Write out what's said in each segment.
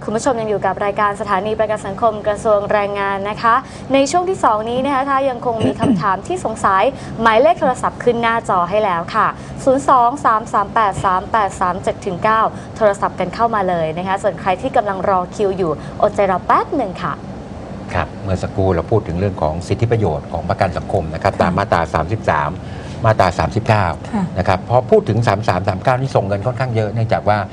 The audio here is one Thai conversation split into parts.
คุณผู้ชมยังอยู่กับรายการสถานีประกันสังคมกระทรวงแรงงานนะคะในช่วงที่ 2 นี้นะคะถ้ายังคงมีคำถามที่สงสัยหมายเลขโทรศัพท์ขึ้นหน้าจอให้แล้วค่ะ 023383837-9 โทรศัพท์กันเข้ามาเลยนะคะส่วนใครที่กำลังรอคิวอยู่อดใจรอแป๊บหนึ่งค่ะครับเมื่อสักครู่เราพูดถึงเรื่องของสิทธิประโยชน์ของประกันสังคมนะครับตามมาตรา 33 มาตรา 39 นะครับพอพูดถึง 33 39 นี่ส่งเงินค่อนข้างเยอะเนื่องจากว่า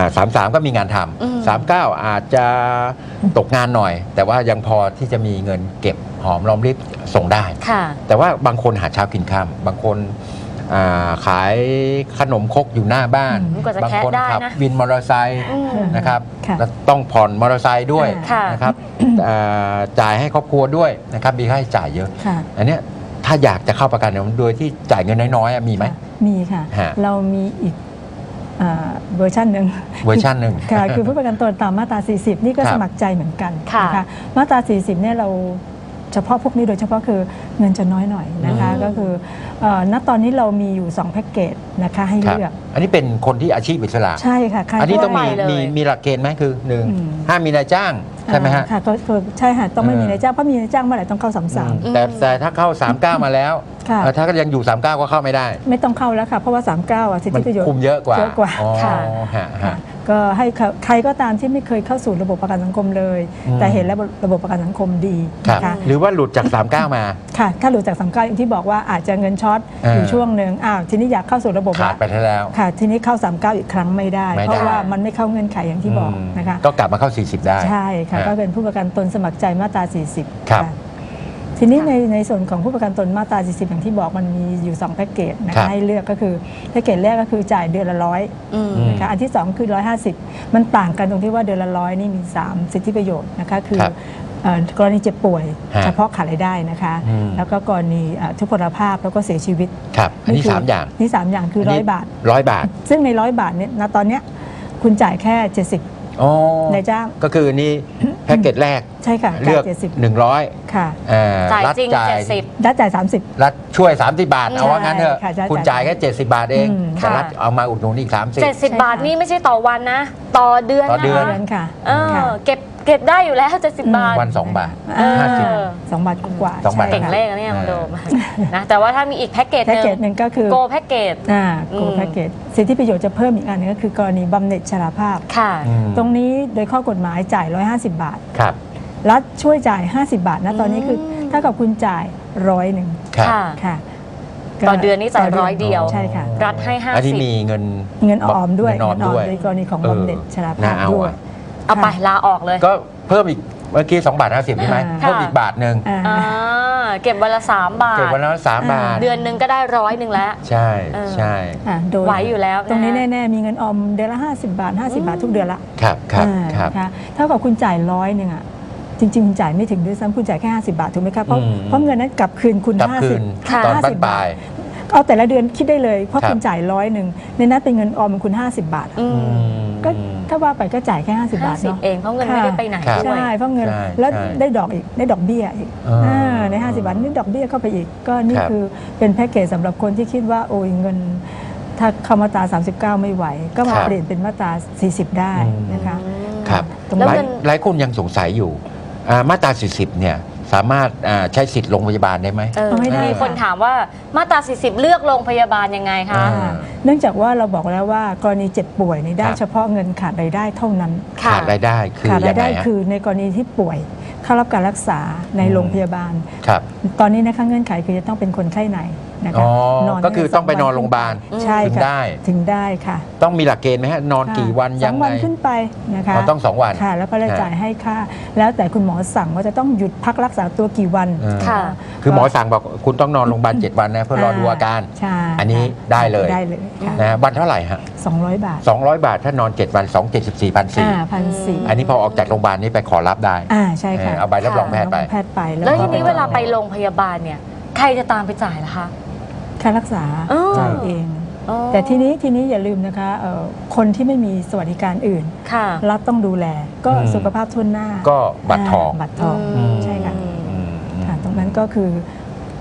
33 ก็มีงานทำ39 อาจจะตกงานหน่อย แต่ว่ายังพอที่จะมีเงินเก็บหอมรอมริบส่งได้ แต่ว่าบางคนหาเช้ากินค่ำบางคนขายขนมครกอยู่หน้าบ้านบางคนขับวินมอเตอร์ไซค์นะครับแล้วต้องผ่อนมอเตอร์ไซค์ด้วยนะครับจ่ายให้ครอบครัวด้วยนะครับมีค่าใช้จ่ายเยอะอันนี้ถ้าอยากจะเข้าประกันโดยที่จ่ายเงินน้อยๆมีไหมมีค่ะเรามีอีกเวอร์ชันหนึ่งค่ะคือผู้ประกันตนตามมาตรา 40 นี่ก็สมัครใจเหมือนกันนะคะมาตรา 40 เนี่ยเราเฉพาะพวกนี้โดยเฉพาะคือเงินจะน้อยหน่อยนะคะก็คือณตอนนี้เรามีอยู่2แพ็กเกจนะคะให้เลือกอันนี้เป็นคนที่อาชีพอิสระใช่ค่ะอันนี้ต้องมีหลักเกณฑ์ไหมคือ1ห้ามมีนายจ้างใช่ไหมฮะค่ะใช่ค่ะต้องไม่มีนายจ้างเพราะมีนายจ้างเมื่อไหร่ต้องเข้า33 แต่ถ้าเข้า39มาแล้วถ้าก็ยังอยู่39ก็เข้าไม่ได้ไม่ต้องเข้าแล้วค่ะเพราะว่า39สิทธิประโยชน์คุมเยอะกว่าค่ะก็ให้ใครก็ตามที่ไม่เคยเข้าสู่ระบบประกันสังคมเลยแต่เห็นแล้วระบบประกันสังคมดีนะคะหรือว่าหลุดจาก39มาค่ะถ้าหลุดจาก39อย่างที่บอกว่าอาจจะเงินช็อตอยู่ช่วงหนึ่งทีนี้อยากเข้าสู่ระบบขาดไปแล้วค่ะทีนี้เข้า39อีกครั้งไม่ได้เพราะว่ามันไม่เข้าเงื่อนไขอย่างที่บอกนะคะก็กลับมาเข้า40ได้ใช่ค่ะก็เป็นผู้ประกันตนสมัครใจมาตรา40 ครับทีนี้ในส่วนของผู้ประกันตนมาตรา 40 อย่างที่บอกมันมีอยู่2แพ็กเกจนะคะให้เลือกก็คือแพ็กเกจแรกก็คือจ่ายเดือนละ100นะคะอันที่2คือ150มันต่างกันตรงที่ว่าเดือนละ100นี่มี3สิทธิประโยชน์นะคะคือกรณีเจ็บป่วยเฉพาะขาดรายได้นะคะแล้วก็กรณีทุพพลภาพแล้วก็เสียชีวิตครับอันนี้3อย่างนี่3อย่างคือ100 บาทซึ่งใน100 บาทเนี่ยณตอนเนี้ยคุณจ่ายแค่70นายจ้างก็คือนี่แพ็กเกจแรกใช่ค่ะเลือก100 ค่ะรัฐจ่าย70 รัฐจ่าย30 รัฐช่วย30 บาทเอาว่างั้นเถอะคุณจ่ายแค่70 บาทเองแต่รัฐเอามาอุดหนุนอีก30 บาทนี่ไม่ใช่ต่อวันนะต่อเดือนค่ะเก็บได้อยู่แล้ว70 บาทวัน2 บาท 2 บาทกว่าเก่งเลขเนี่ยคุณโดมนะแต่ว่าถ้ามีอีกแพ็กเกจหนึ่งก็คือโกแพ็กเกจโกแพ็กเกจสิทธิประโยชน์จะเพิ่มอีกอันนึงก็คือกรณีบำเหน็จชราภาพตรงนี้โดยข้อกฎหมายจ่าย150 บาทรัฐช่วยจ่าย50 บาทนะตอนนี้คือถ้ากับคุณจ่าย100ค่ะต่อเดือนนี้จ่าย100 เดียวใช่ค่ะรัฐให้50 อันนี้มีเงินออมด้วยในกรณีของบำเหน็จชราภาพด้วยเอาไปลาออกเลยก็เพิ่มอีกเมื่อกี้2 บาท 50ใช่ไหมเพิ่มอีกบาทนึงเก็บวันละ3 บาทเก็บวันละ3 บาทเดือนนึงก็ได้100แล้วใช่ไหวอยู่แล้วตรงนี้แน่ๆมีเงินออมเดือนละ50 บาท50 บาททุกเดือนละครับเท่ากับคุณจ่าย100อ่ะจริงๆคุณจ่ายไม่ถึงด้วยซ้ำคุณจ่ายแค่50 บาทถูกไหมครับเพราะเงินนั้นกลับคืนคุณ 50 บาทเอาแต่ละเดือนคิดได้เลยเพราะคุณจ่าย100ในนั้นเป็นเงินออมของคุณ50 บาทก็ถ้าว่าไปก็จ่ายแค่50 บาทเองเพราะเงินไม่ได้ไปไหนใช่เพราะเงินแล้วได้ดอกอีกได้ดอกเบี้ยอีกใน50 บาทนี่ดอกเบี้ยเข้าไปอีกก็นี่คือเป็นแพ็กเกจสำหรับคนที่คิดว่าโอ้ยเงินถ้าเข้ามาตรา39ไม่ไหวก็มาเปลี่ยนเป็นมาตรา40ได้นะคะครับหลายคนยังสงสัยอยู่มาตรา40เนี่ยสามารถใช้สิทธิ์โรงพยาบาลได้ไหมมีคนถามว่ามาตรา40เลือกโรงพยาบาลยังไงคะเนื่องจากว่าเราบอกแล้วว่ากรณีเจ็บป่วยนี่ได้เฉพาะเงินขาดรายได้เท่านั้นขาดรายได้คือขาดรายได้คือในกรณีที่ป่วยเข้ารับการรักษาในโรงพยาบาลตอนนี้นะคะเงื่อนไขคือจะต้องเป็นคนไข้ในนะคะก็คือต้องไปนอนโรงพยาบาลถึงได้ค่ะต้องมีหลักเกณฑ์ไหมฮะนอนกี่วันยังไง 2 วันขึ้นไปนะคะต้อง2 วันค่ะแล้วก็จ่ายให้ค่าแล้วแต่คุณหมอสั่งว่าจะต้องหยุดพักรักษาตัวกี่วันค่ะคือหมอสั่งบอกคุณต้องนอนโรงพยาบาล7 วันนะเพื่อรอดูอาการอันนี้ได้เลยนะวันเท่าไหร่ฮะ 200 บาท 200 บาทถ้านอน7 วัน1,400 อันนี้พอออกจากโรงพยาบาลนี้ไปขอรับได้ใช่ค่ะเอาใบรับรองแพทย์ไปแล้วทีนี้เวลาไปโรงพยาบาลเนี่ยใครจะตามไปจ่ายล่ะคะค่ารักษาจ่ายเองแต่ทีนี้อย่าลืมนะคะคนที่ไม่มีสวัสดิการอื่นรัฐต้องดูแลก็สุขภาพทั่วหน้าก็บัตรทองใช่ค่ะตรงนั้นก็คือ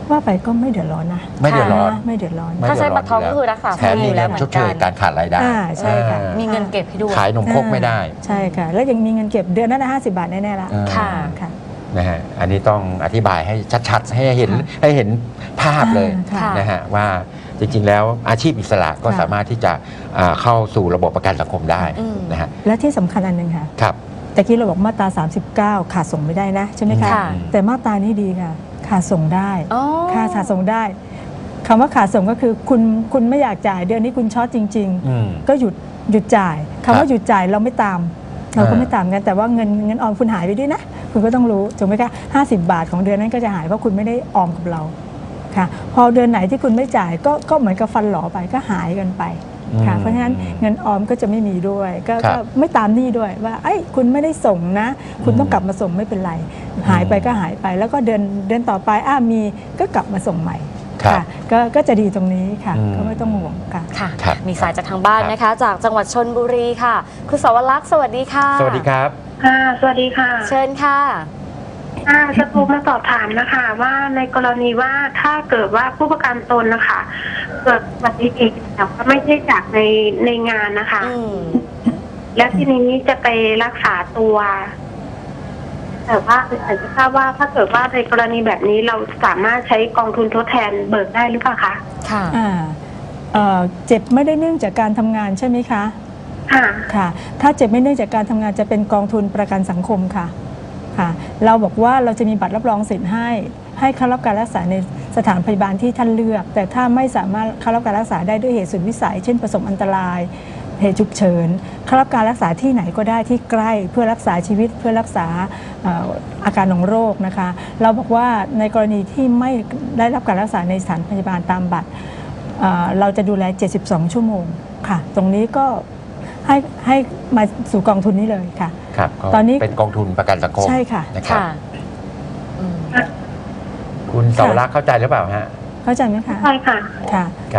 ว่าไปก็ไม่เดือดร้อนนะไม่เดือดร้อนไม่เดือดร้อนไม่ถ้าใช้บัตรทองก็คือรักษาแถมมีแล้เงิวน เหมือนชดเชยกันการขาดรายได้ใช่ค่ะมีเงินเก็บให้ด้วยขายนมครกไม่ได้ใช่ค่ะ แล้วยังมีเงินเก็บเดือนละ50 บาทแน่ๆละค่ะค่ะนะฮะอันนี้ต้องอธิบายให้ชัดๆให้เห็นค่ะให้เห็นภาพเลยค่ะนะฮะว่าจริงๆแล้วอาชีพอิสระก็ค่ะสามารถที่จะเข้าสู่ระบบประกันสังคมได้อืมนะฮะและที่สำคัญอันหนึ่งค่ะครับแต่กี้เราบอกมาตรา 39 ขาดส่งไม่ได้นะใช่ไหมคะค่ะแต่มาตรานี้ดีค่ะ ขาดส่งได้อ๋อขาดส่งได้คำว่าขาดส่งก็คือคุณไม่อยากจ่ายเดือนนี้คุณช็อตจริงอืมๆ ก็หยุดจ่ายคำว่าหยุดจ่ายเราไม่ตาม เราก็ไม่ตามกันแต่ว่าเงินออมคุณหายไปด้วยนะ คุณก็ต้องรู้ถูกไหมคะ50 บาทของเดือนนั้นก็จะหายเพราะคุณไม่ได้ออมกับเราค่ะพอเดือนไหนที่คุณไม่จ่ายก็เหมือนกับฟันหลอไปก็หายกันไปค่ะเพราะฉะนั้นเงินออมก็จะไม่มีด้วยก็ไม่ตามหนี้ด้วยว่าไอ้ยคุณไม่ได้ส่งนะ คุณต้องกลับมาส่งไม่เป็นไร หายไปก็หายไป แล้วก็เดือนต่อไปมีก็กลับมาส่งใหม่ครับค่ะก็จะดีตรงนี้ค่ะอืมก็ไม่ต้องห่วงค่ะค่ะครับมีสายจากทางบ้านนะคะ จากจังหวัดชลบุรีค่ะ คุณสวรักษ์สวัสดีค่ะสวัสดีครับค่ะสวัสดีค่ะเชิญค่ะจะโทรมาสอบถามนะคะ ว่าในกรณีว่าถ้าเกิดว่าผู้ประกันตนนะคะเกิดอุบัติเหตุแต่ว่าไม่ใช่จากในงานนะคะอืมแล้วทีนี้จะไปรักษาตัว แต่ว่าอยากจะทราบว่าถ้าเกิดว่าในกรณีแบบนี้เราสามารถใช้กองทุนทดแทนเบิกได้หรือเปล่าคะค่ะเจ็บไม่ได้เนื่องจากการทำงานใช่ไหมคะค่ะค่ะถ้าเจ็บไม่เนื่องจากการทำงานจะเป็นกองทุนประกันสังคมค่ะค่ะ เราบอกว่าเราจะมีบัตรรับรองสิทธิ์ให้เข้ารับการรักษาในสถานพยาบาลที่ท่านเลือก แต่ถ้าไม่สามารถเข้ารับการรักษาได้ด้วยเหตุสุดวิสัย เช่นประสบอันตรายเหตุฉุกเฉินเข้ารับการรักษาที่ไหนก็ได้ที่ใกล้เพื่อรักษาชีวิตเพื่อรักษาอาการของโรคนะคะ เราบอกว่าในกรณีที่ไม่ได้รับการรักษาในสถานพยาบาลตามบัตรเราจะดูแล 72 ชั่วโมงค่ะ ตรงนี้ก็ให้มาสู่กองทุนนี้เลยค่ะครับก็ตอนนี้เป็นกองทุนประกันสังคมใช่ค่ะนะครับค่ะอืมคุณเสาวรักษ์เข้าใจหรือเปล่าฮะเข้าใจไหมคะใช่ค่ะค่ะครับ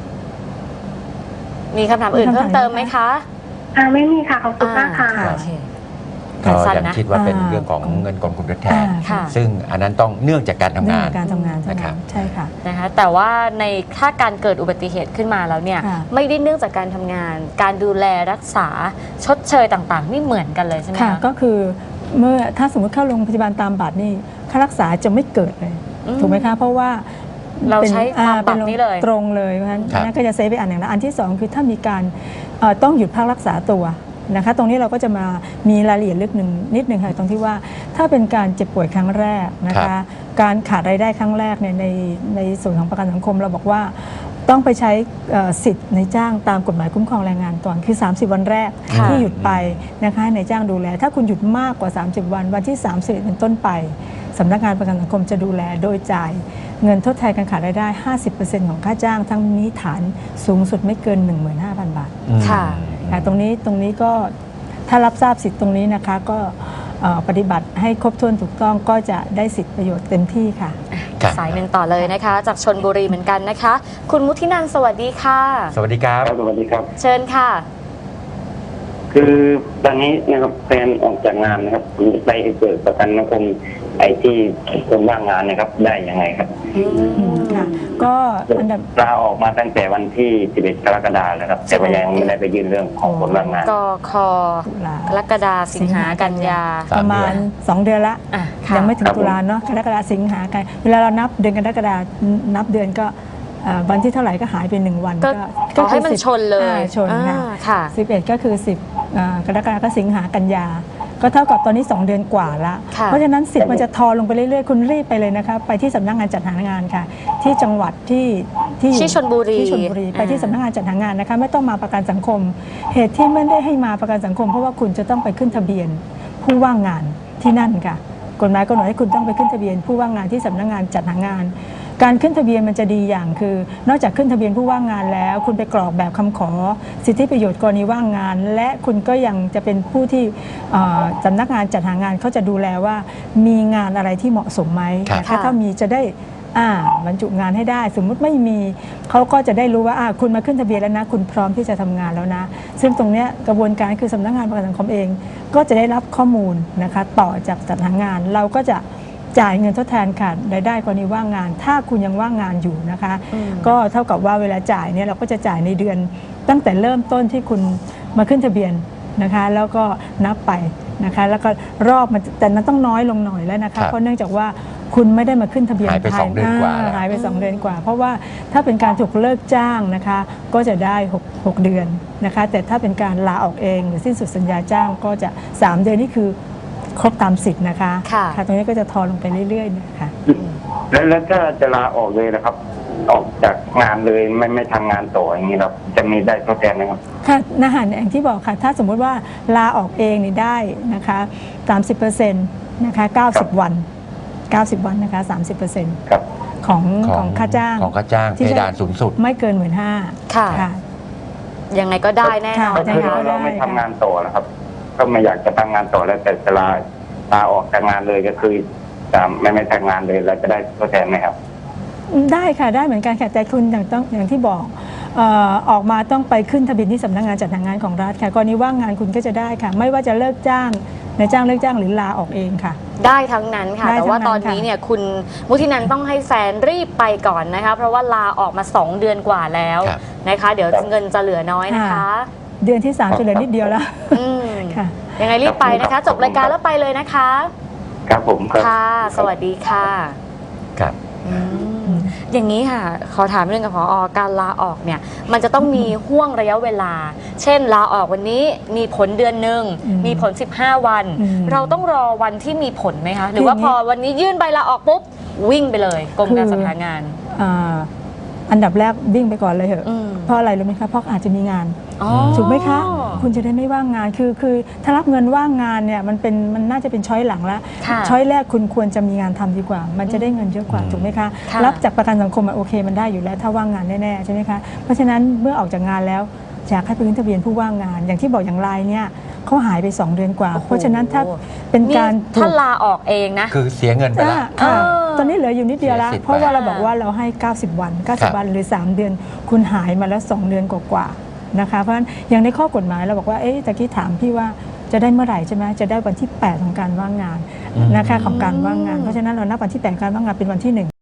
มีคำถามอื่นเพิ่มเติมไหมคะไม่มีค่ะ ขอบคุณมากค่ะค่ะโอเคก็สั้นยังนะคิดว่าเป็นอ่าเรื่องของเงินกองทุนทดแทนค่ะซึ่งอันนั้นต้องเนื่องจากการทำเรื่องงานของการทำงานเท่านะครันั้บนใช่ค่ะนะคะแต่ว่าถ้าการเกิดอุบัติเหตุขึ้นมาแล้วเนี่ยค่ะไม่ได้เนื่องจากการทำงาน การดูแลรักษาชดเชยต่างๆ นี่เหมือนกันเลยใช่ไหมค่ะคะก็คือเมื่อถ้าสมมติเข้าโรงพยาบาลตามบัตรนี่ค่ารักษาจะไม่เกิดเลยอืมถูกไหมคะ เพราะว่าเราป็นใช้ตามบัตรนี้เลยตรงเลยเพราะฉะนั้นครับนั่นก็จะเซฟไปอันหนึ่งแล้วอันที่สองคือถ้ามีการต้องหยุดพักรักษาตัวนะคะ ตรงนี้เราก็จะมามีรายละเอียดลึกนิดนึงค่ะตรงที่ว่าถ้าเป็นการเจ็บป่วยครั้งแรกนะครัคะบการขาดรายได้ครั้งแรกเนี่ยในส่วนของประกันสังคมเราบอกว่า ต้องไปใช้สิทธิ์ในจ้างตามกฎหมายคุ้มครองแรงงานก่อนคือ 30 วันแรกค่ะที่หยุดไปนะคะให้นายจ้างดูแล ถ้าคุณหยุดมากกว่า 30 วันที่ 30เป็นต้นไปสำนักงานประกันสังคมจะดูแลโดยจ่ายเงินทดแทนการขาดรายได้ 50% ของค่าจ้างทั้งนี้ฐานสูงสุดไม่เกิน 15,000 บาทอืมค่ะค่ะตรงนี้ก็ถ้ารับทราบสิทธิ์ตรงนี้นะคะก็ปฏิบัติให้ครบถ้วนถูกต้องก็จะได้สิทธิประโยชน์เต็มที่ค่ะครับสายหนึ่งต่อเลยนะคะ จากชนบุรีเหมือนกันนะคะ คุณมุทินันท์สวัสดีค่ะสวัสดีครับครับสวัสดีครับเชิญค่ะคือตอนนี้นะครับแฟนออกจากงานนะครับผมจะไปเปิดประกันสังคมไอ้ที่คนว่างงานนะครับ ได้ยังไงครับค่ะก็อันดับลาออกมาตั้งแต่วันที่ 11 กรกฎาคมแล้วครับ แต่ว่ายังไม่ได้ไปยื่นเรื่องของคนว่างงานกคตุลากรกฎาสิงหากันยาสามประมาณเดือน 2 เดือนละอ่ะค่ะยังไม่ถึงครับผมตุลาเนาะกรกฎาสิงหากันเวลาเรานับเดือนกรกฎานับเดือนก็วันที่เท่าไหร่ก็หายไป1 วันก็ขอให้มันคือ10 ชนเลยชนค่ะค่ะ 11 ก็คือ 10กรกฎาก็สิงหากันยา ก็เท่ากับตอนนี้ 2 เดือนกว่าละค่ะเพราะฉะนั้นสิทธิ์มันจะทอลงไปเรื่อยๆ คุณรีบไปเลยนะคะไปที่สำนักงานจัดหางานค่ะ ที่จังหวัดที่อยู่ที่ชลบุรีที่ชลบุรีไปที่สำนักงานจัดหางานนะคะไม่ต้องมาประกันสังคม เหตุที่ไม่ได้ให้มาประกันสังคม เพราะว่าคุณจะต้องไปขึ้นทะเบียนผู้ว่างงานที่นั่นค่ะกฎหมายกำหนดให้คุณต้องไปขึ้นทะเบียนผู้ว่างงานที่สำนักงานจัดหางาน การขึ้นทะเบียนมันจะดีอย่างคือ นอกจากขึ้นทะเบียนผู้ว่างงานแล้ว คุณไปกรอกแบบคำขอสิทธิประโยชน์กรณีว่างงาน และคุณก็ยังจะเป็นผู้ที่สำนักงานจัดหางานเขาจะดูแลว่ามีงานอะไรที่เหมาะสมไหมครับนะคะถ้ามีจะได้บรรจุงานให้ได้ สมมุติไม่มีเขาก็จะได้รู้ว่าคุณมาขึ้นทะเบียนแล้วนะคุณพร้อมที่จะทำงานแล้วนะ ซึ่งตรงเนี้ยกระบวนการคือสำนักงานประกันสังคมเอง ก็จะได้รับข้อมูลนะคะต่อจากจัดหางานเราก็จะจ่ายเงินทดแทนขาดรายได้กรณีว่างงาน ถ้าคุณยังว่างงานอยู่นะคะอืมก็เท่ากับว่าเวลาจ่ายเนี่ยเราก็จะจ่ายในเดือนตั้งแต่เริ่มต้นที่คุณมาขึ้นทะเบียนนะคะ แล้วก็นับไปนะคะ แล้วก็รอบมันแต่นั้นต้องน้อยลงหน่อยแล้วนะครัคะบเพราะเนื่องจากว่าคุณไม่ได้มาขึ้นทะเบียนหายไปภ 2 เดือนกว่าแล้วหายไป2 เดือนกว่า เพราะว่าถ้าเป็นการถูกเลิกจ้างนะคะ ก็จะได้6 เดือนนะคะ แต่ถ้าเป็นการลาออกเองหรือสิ้นสุดสัญญาจ้างก็จะ3 เดือนนี่คือครบตามสิทธิ์นะคะค่ะตรงนี้ก็จะทอนลงไปเรื่อยๆนะคะแล้วถ้าจะลาออกเลยนะครับ ออกจากงานเลยไม่ทำงานต่ออย่างนี้ครับจะมีได้ทดแทนไหมครับค่ะนะคะอย่างที่บอกค่ะถ้าสมมุติว่าลาออกเองนี่ได้นะคะ30%นะคะ90 วัน 90 วันนะคะ30% ครับของค่าจ้างของค่าจ้างที่เพจะดานสูงสุดไม่เกิน 15,000 ค่ะค่ะยังไงก็ได้แน่นอนค่ะก็คือนะคะเราไม่ทำงานต่อแล้วครับ ก็ไม่อยากจะทำงานต่อแล้วแต่จะลาออกจากงานเลยก็คือจะไม่ทำงานเลยเราจะได้ทดแทนไหมครับได้ค่ะได้เหมือนกันค่ะแต่คุณอย่างที่บอกออกมาต้องไปขึ้นทะเบียนที่สำนักงานจัดหางานของรัฐค่ะกรณีว่างงานคุณก็จะได้ค่ะ ไม่ว่าจะเลิกจ้างนายจ้างเลิกจ้างหรือลาออกเองค่ะได้ทั้งนั้นค่ะได้แต่ว่าทั้งนั้นตอนนี้เนี่ยคุณมุทินันต้องให้แฟนรีบไปก่อนนะคะ เพราะว่าลาออกมา 2 เดือนกว่าแล้วครับนะคะ เดี๋ยวเงินจะเหลือน้อยนะคะเดือนที่ 3 จะเหลือนิดเดียวแล้วอืมค่ะยังไงรีบไปนะคะ จบรายการแล้วไปเลยนะคะครับผมครับค่ะ สวัสดีค่ะครับอืมอย่างนี้ค่ะ ขอถามเรื่องกับผอ.การลาออกเนี่ย มันจะต้องมีห่วงระยะเวลา เช่นลาออกวันนี้มีผลเดือนหนึ่งอืมมีผล 15 วันอืมเราต้องรอวันที่มีผลไหมคะ หรือว่าคืออย่างนี้พอวันนี้ยื่นใบลาออกปุ๊บ วิ่งไปเลยกรมการจัดหางานอันดับแรกวิ่งไปก่อนเลยเหอะอืมเพราะอะไรรู้ไหมคะเพราะอาจจะมีงานอ๋อถูกไหมคะ คุณจะได้ไม่ว่างงานคือถ้ารับเงินว่างงานเนี่ยมันน่าจะเป็นช้อยหลังละค่ะช้อยแรกคุณควรจะมีงานทำดีกว่า มันจะได้เงินเยอะกว่าอืมถูกไหมคะค่ะรับจากประกันสังคมโอเคมันได้อยู่แล้วถ้าว่างงานแน่ๆใช่ไหมคะเพราะฉะนั้นเมื่อออกจากงานแล้วอยากให้ไปขึ้นทะเบียนผู้ว่างงาน อย่างที่บอกอย่างไรเนี่ยเขาหายไป 2 เดือนกว่าโอ้โหเพราะฉะนั้นถ้าเป็นการนี่ถ้าลาออกเองนะคือเสียเงินไปแล้วค่ะเออตอนนี้เหลืออยู่นิดเดียวแล้วเสียสิทธิ์เพราะว่าไปเราบอกว่าเราให้ 90 วันครับ 90 วันหรือ 3 เดือน คุณหายมาแล้ว 2 เดือนกว่าๆนะคะเพราะฉะนั้นอย่างในข้อกฎหมายเราบอกว่าตะกี้ถามพี่ว่าจะได้เมื่อไหร่ใช่ไหมจะได้วันที่ 8 ของการว่างงานนะคะของการว่างงาน เพราะฉะนั้นเรานับวันที่ 8 การว่างงานเป็นวันที่ 1